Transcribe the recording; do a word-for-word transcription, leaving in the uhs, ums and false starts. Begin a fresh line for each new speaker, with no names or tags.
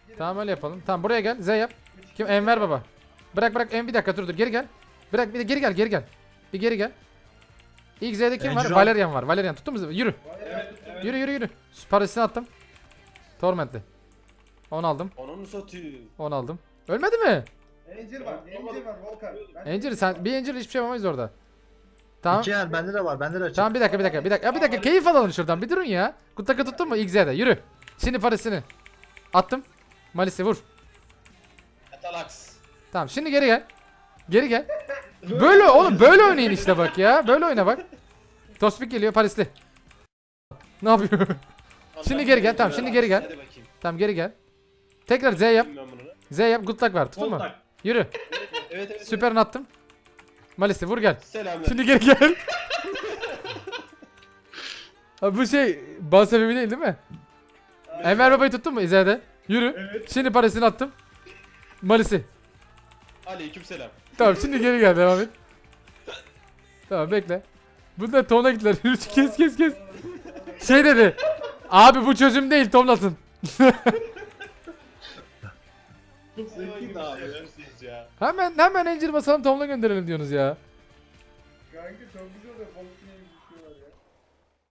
Tamam öyle yapalım. Tamam buraya gel. Z yap. Kim? Enver baba. Bırak bırak. En bir dakika dur dur. Geri gel. Bırak bir de geri gel geri gel. Bir geri gel. İlk Z'de kim var?
Encir al.
Valerian var. Valerian tuttun mu? Yürü.
Evet, evet.
Yürü yürü yürü. Parisini attım. Torment'li. on aldım.
Ananı satayım.
on aldım. Ölmedi mi?
Angel var, Angel var Volkan. Ben-
Angel sen bir Angel hiçbir şey yapamayız orada. Tamam.
İki el bende de var. Bende de açık.
Tamam bir dakika bir dakika bir dakika. Ya bir dakika keyif alalım şuradan. Bir durun ya. Kutaka tuttun mu? İlk Z'de. Yürü. Şimdi Parisini. Attım. Malis'i vur.
Atalax.
Tamam şimdi geri gel. Geri gel. Böyle oğlum böyle oynayın işte bak ya. Böyle oyna bak. Tospik geliyor Parisli. Ne yapıyor? Şimdi geri gel, tamam, şimdi geri gel.
Hadi bakayım.
Tamam geri gel. Tekrar Z yap.
Ben bunu.
Z yap. Good luck var. Tuttun mu?
Kontak.
Yürü.
Evet evet.
Süperini attım. Malis'i vur gel.
Selamlar.
Şimdi geri gel. Abi bu şey bal sebebi değil değil mi? Enver babayı tuttun mu İzle'de? Yürü.
Evet.
Şimdi Paris'ini attım. Malis'i.
Aleykümselam.
Tamam şimdi geri gel devam et. Tamam bekle. Bunlar Tom'la gittiler. Yürü kes kes kes. Şey dedi. Abi bu çözüm değil Tom'lasın.
Çok zevkliydi abi.
Ya.
Hemen hemen Angel basalım Tom'la gönderelim diyorsunuz ya.
Kanka çok güzel oluyor. Volkan